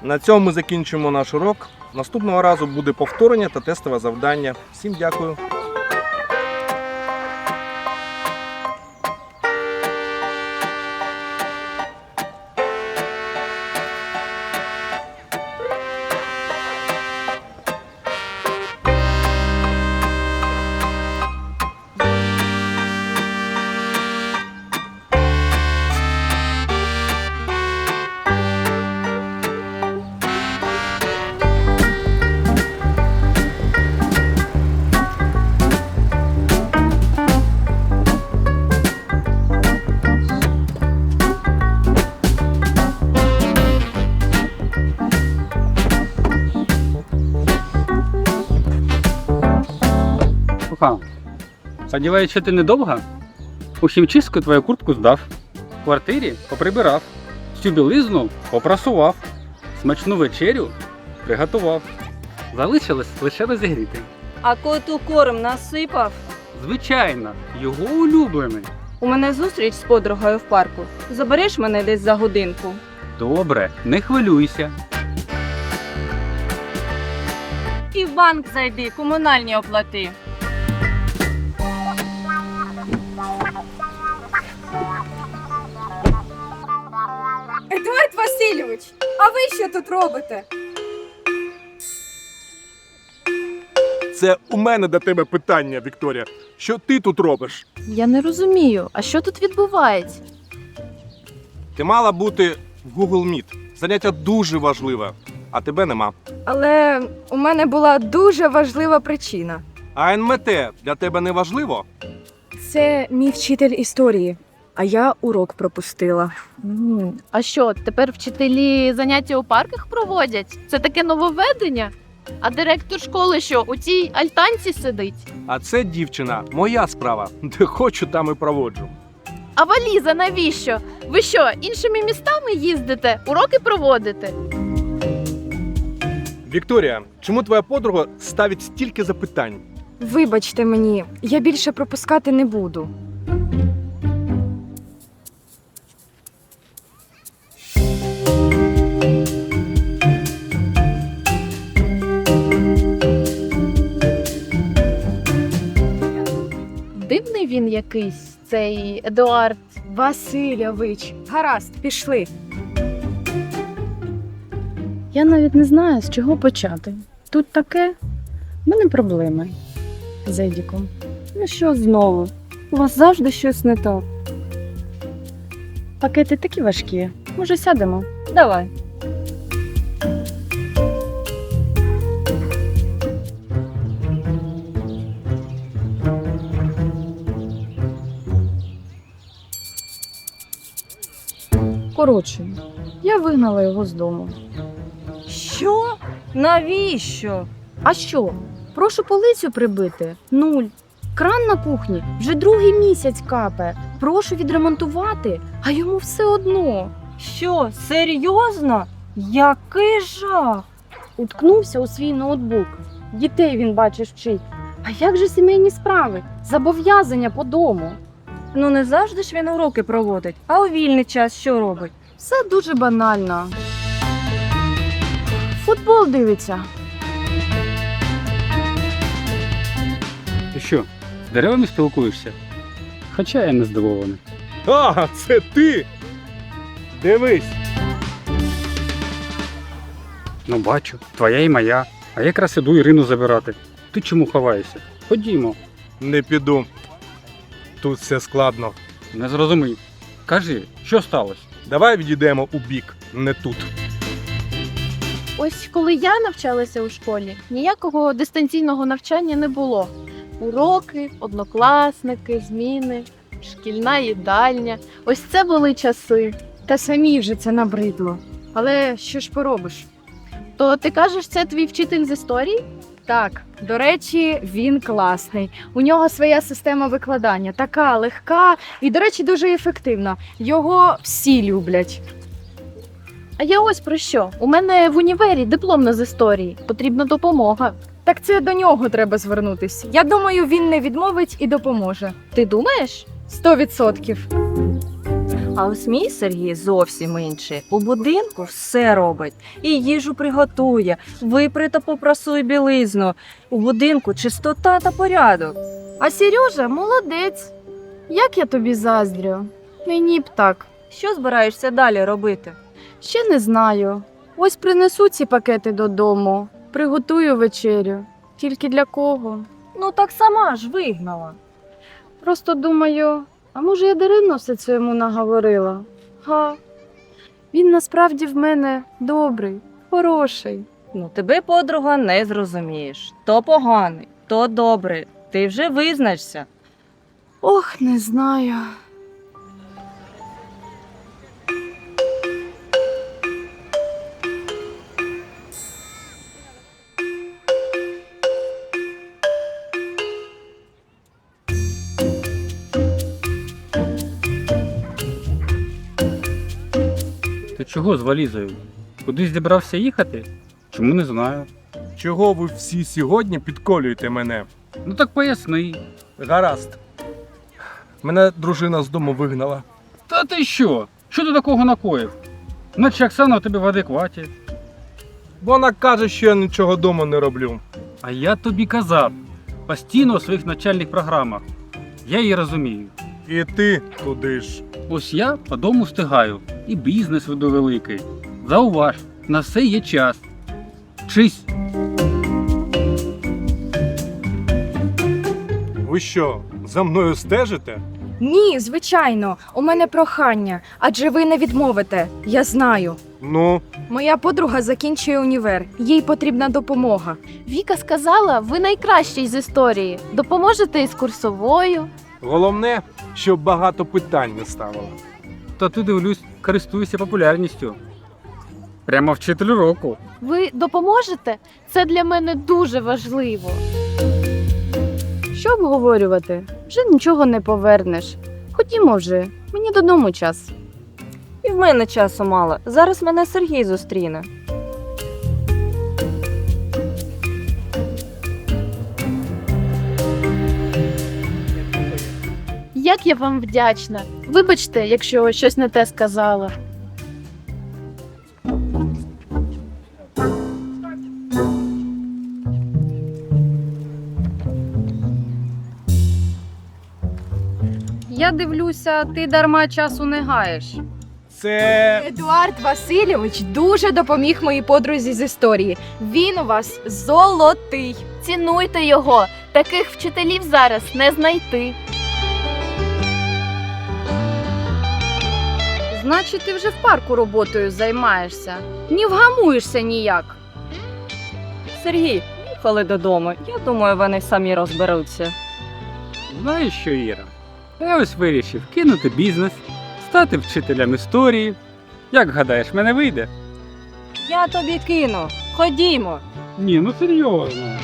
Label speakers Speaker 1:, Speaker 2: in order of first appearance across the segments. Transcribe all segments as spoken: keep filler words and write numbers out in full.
Speaker 1: На цьому ми закінчимо наш урок. Наступного разу буде повторення та тестове завдання. Всім дякую.
Speaker 2: Слухай, сподіваюсь, що ти недовго? У хімчистку твою куртку здав, в квартирі поприбирав, всю білизну попрасував, смачну вечерю приготував. Залишилось лише розігріти.
Speaker 3: А коту корм насипав?
Speaker 2: Звичайно, його улюблений.
Speaker 3: У мене зустріч з подругою в парку. Забереш мене десь за годинку?
Speaker 2: Добре, не хвилюйся.
Speaker 3: І в банк зайди, комунальні оплати.
Speaker 4: Едуард Васильович, а ви що тут робите?
Speaker 1: Це у мене до тебе питання, Вікторія. Що ти тут робиш?
Speaker 5: Я не розумію, а що тут відбувається?
Speaker 1: Ти мала бути в Google Meet. Заняття дуже важливе, а тебе нема.
Speaker 4: Але у мене була дуже важлива причина.
Speaker 1: А ен ем те для тебе не важливо?
Speaker 4: Це мій вчитель історії, а я урок пропустила.
Speaker 5: М, А що, тепер вчителі заняття у парках проводять? Це таке нововведення? А директор школи що, у цій альтанці сидить?
Speaker 1: А це, дівчина, моя справа. Де хочу, там і проводжу.
Speaker 5: А валіза навіщо? Ви що, іншими містами їздите, уроки проводите?
Speaker 1: Вікторія, чому твоя подруга ставить стільки запитань?
Speaker 4: Вибачте мені, я більше пропускати не буду.
Speaker 5: Дивний він якийсь, цей Едуард.
Speaker 4: Васильович, гаразд, пішли.
Speaker 6: Я навіть не знаю, з чого почати. Тут таке, в мене проблеми з Едіком.
Speaker 4: Ну що знову? У вас завжди щось не так.
Speaker 6: Пакети такі важкі. Може, сядемо?
Speaker 4: Давай.
Speaker 6: Коротше, я вигнала його з дому.
Speaker 3: Що? Навіщо?
Speaker 6: А що? Прошу полицю прибити? Нуль. Кран на кухні вже другий місяць капає. Прошу відремонтувати, а йому все одно.
Speaker 3: Що, серйозно? Який жах!
Speaker 6: Уткнувся у свій ноутбук. Дітей він, бачиш, вчить. А як же сімейні справи? Зобов'язання по дому.
Speaker 3: Ну не завжди ж він уроки проводить, а у вільний час що робить?
Speaker 6: Все дуже банально. Футбол дивиться.
Speaker 2: Ти що, з деревами спілкуєшся? Хоча я не здивований.
Speaker 1: А, це ти! Дивись!
Speaker 2: Ну бачу, твоя і моя. А я якраз іду Ірину забирати. Ти чому ховаєшся? Ходімо.
Speaker 1: Не піду. Тут все складно.
Speaker 2: Не зрозумів. Кажи, що сталося?
Speaker 1: Давай відійдемо у бік, не тут.
Speaker 5: Ось коли я навчалася у школі, ніякого дистанційного навчання не було. Уроки, однокласники, зміни, шкільна їдальня. Ось це були часи.
Speaker 4: Та самі вже це набридло. Але що ж поробиш?
Speaker 5: То ти кажеш, це твій вчитель з історії?
Speaker 4: Так, до речі, він класний. У нього своя система викладання, така легка і, до речі, дуже ефективна. Його всі люблять.
Speaker 5: А я ось про що. У мене в універі дипломна з історії. Потрібна допомога.
Speaker 4: Так це до нього треба звернутись. Я думаю, він не відмовить і допоможе.
Speaker 5: Ти думаєш?
Speaker 4: Сто відсотків.
Speaker 3: А ось мій Сергій зовсім інший. У будинку все робить. І їжу приготує, випре та попрасує білизну. У будинку чистота та порядок.
Speaker 4: А Сережа молодець. Як я тобі заздрю? Мені б так.
Speaker 3: Що збираєшся далі робити?
Speaker 4: Ще не знаю. Ось принесу ці пакети додому, приготую вечерю. Тільки для кого?
Speaker 3: Ну так сама ж вигнала.
Speaker 4: Просто думаю, а може я даремно все це йому наговорила? Га. Він насправді в мене добрий, хороший.
Speaker 3: Ну тебе, подруга, не зрозумієш. То поганий, то добрий. Ти вже визначся.
Speaker 4: Ох, не знаю.
Speaker 2: Ти чого з валізою? Кудись зібрався їхати? Чому не знаю.
Speaker 1: Чого ви всі сьогодні підколюєте мене?
Speaker 2: Ну так поясни.
Speaker 1: Гаразд. Мене дружина з дому вигнала.
Speaker 2: Та ти що? Що ти такого накоїв? Наче Оксана у тебе в адекваті.
Speaker 1: Вона каже, що я нічого вдома не роблю.
Speaker 2: А я тобі казав, постійно у своїх навчальних програмах. Я її розумію.
Speaker 1: І ти туди ж.
Speaker 2: Ось я по дому встигаю, і бізнес веду великий. Зауваж, на все є час. Вчись.
Speaker 1: Ви що, за мною стежите?
Speaker 4: Ні, звичайно, у мене прохання, адже ви не відмовите. Я знаю.
Speaker 1: Ну,
Speaker 4: Моя подруга закінчує універ, їй потрібна допомога.
Speaker 5: Віка сказала, ви найкращий з історії. Допоможете із курсовою.
Speaker 1: головне, щоб багато питань не ставила.
Speaker 2: Та ти, дивлюсь, користуєшся популярністю. Прямо вчитель року.
Speaker 5: Ви допоможете? Це для мене дуже важливо.
Speaker 4: Що обговорювати? Вже нічого не повернеш. Ходімо вже, мені додому час.
Speaker 3: І в мене часу мало. Зараз мене Сергій зустріне.
Speaker 5: Як я вам вдячна. Вибачте, якщо щось не те сказала.
Speaker 6: Я дивлюся, ти дарма часу не гаєш.
Speaker 1: Це
Speaker 4: Едуард Васильович дуже допоміг моїй подрузі з історії. Він у вас золотий.
Speaker 5: Цінуйте його. Таких вчителів зараз не знайти.
Speaker 6: Значить, ти вже в парку роботою займаєшся. Не вгамуєшся ніяк.
Speaker 3: Сергій, їхали додому. Я думаю, вони самі розберуться.
Speaker 2: Знаєш що, Іра? Я ось вирішив кинути бізнес, стати вчителем історії. Як гадаєш, мене вийде?
Speaker 3: Я тобі кину. Ходімо.
Speaker 2: Ні, ну серйозно.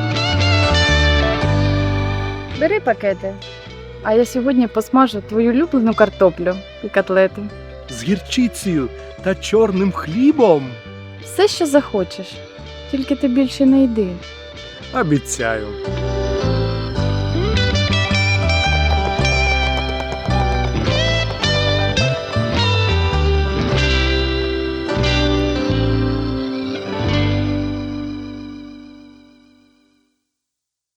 Speaker 4: Бери пакети. А я сьогодні посмажу твою улюблену картоплю і котлети.
Speaker 1: з гірчицею та чорним хлібом.
Speaker 4: Все, що захочеш. Тільки ти більше не йди.
Speaker 1: Обіцяю.